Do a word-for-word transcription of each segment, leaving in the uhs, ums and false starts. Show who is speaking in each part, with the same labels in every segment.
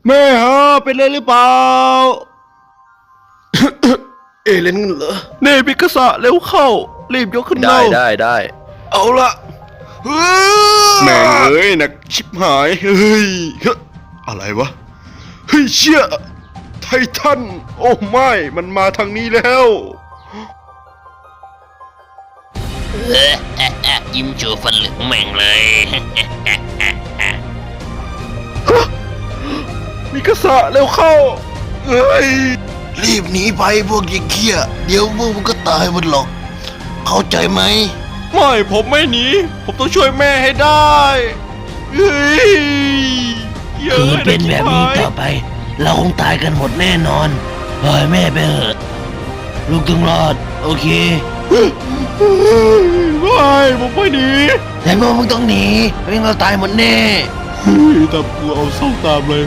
Speaker 1: แม่ฮะเป็นไรหรือเปล่า เอเลนเหรอเน่พิกษะเร็วเข้ารีบยกขึ้น
Speaker 2: ได้
Speaker 1: เร็ว
Speaker 2: ได้ได้
Speaker 1: เอาละแม่งเอ้ยหนักชิบหายเฮ้ยเฮ้ยอะไรวะเฮ้ยเชี่ยไททันโอ้ไม่มันมาทางนี้แล้ว
Speaker 3: เออเอะเอะยิ้มโชว์ฟันเหลืองแม่งเลย
Speaker 1: มิกาสะเร็วเข้าเอ้ยรีบหนีไปพวกยิ่งเขี้ยเดี๋ยวพวกมึงก็ตายหมดหรอกเข้าใจไหมไม่ผมไม่หนีผมต้องช่วยแม่ให้ได้เฮ้ย
Speaker 4: คือเป็นแบบนี้ต่อไป เราคงตายกันหมดแน่นอนปล่อยแม่ไปเถอะลูกต้องรอด โอเค
Speaker 1: ไม่ผมไม่หนี
Speaker 4: แต่พวกมึงต้องหนีไม่งั้นเราตายหมดแน่
Speaker 1: เฮ้ยตามกูเอาเศร้าตามเลย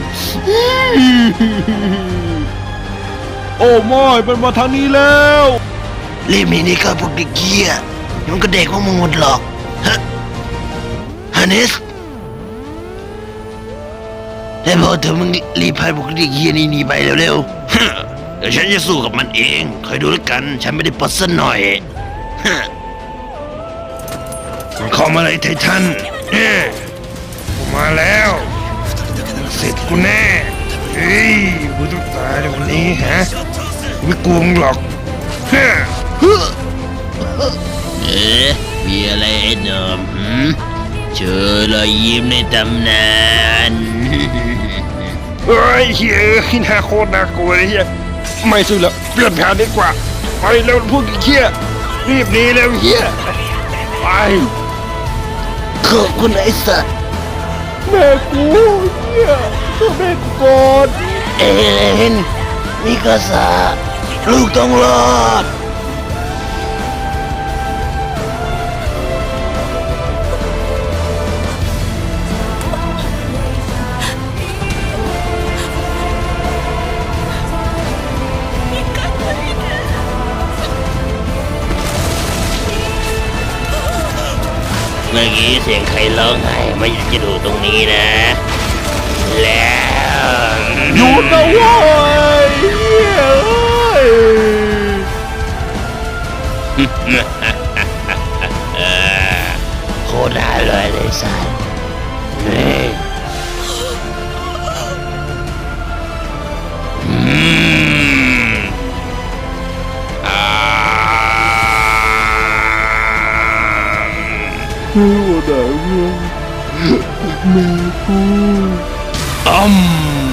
Speaker 1: โอ้ไม่มันมาทางนี้แล้ว
Speaker 4: รีบหนีนี่ก็พวกเด็กเกี้ยเดี๋ยวมันก็เด็กพวกมึงหมดหรอกฮะฮันเนสแต่พอเธอมึงรีบพาพวกเด็กเกี้ยนี่หนีไปเร็วๆ เดี๋ยวฉันจะสู้กับมันเองคอยดูแล้วกัน ฉันไม่ได้ปลดซะหน่อยฮะมันเข้ามาเลยไททันเนี่ยกูมาแล้วเสร็จกูแน่เฮ้ยกูต้องตายในวันนี้ฮะกูไม่กลัวมึงหรอกฮะ
Speaker 3: เอ๊ะมีอะไรไอ้หนุ่มหืมเจอรอยยิ้มในตำนาน
Speaker 2: เฮ้ยเฮียขี้หน้าโคตรน่ากลัวเลยเฮียไม่สู้แล้วเปลี่ยนแผนดีกว่าไปเร็วพวกเฮียรีบหนีเร็วเฮียไป
Speaker 4: ขอบคุณไอ้สัตว์
Speaker 1: แม่กูเฮียช่วยแม่กูก่อน
Speaker 4: เอเลนมิกาซาลูกต้องรอด
Speaker 3: เมื่อกี้เสียงใครร้องไห้ไม่อยากจะดูตรงนี้นะ แล้ว
Speaker 1: หยุดนะเว้ยเฮียเอ้ย
Speaker 3: เออ
Speaker 4: โคตรน่าเลยเลยสัตว์เฮ้ย
Speaker 3: อืมอ่า
Speaker 1: คือว่าไหนเว้ยแม่กู
Speaker 3: อืม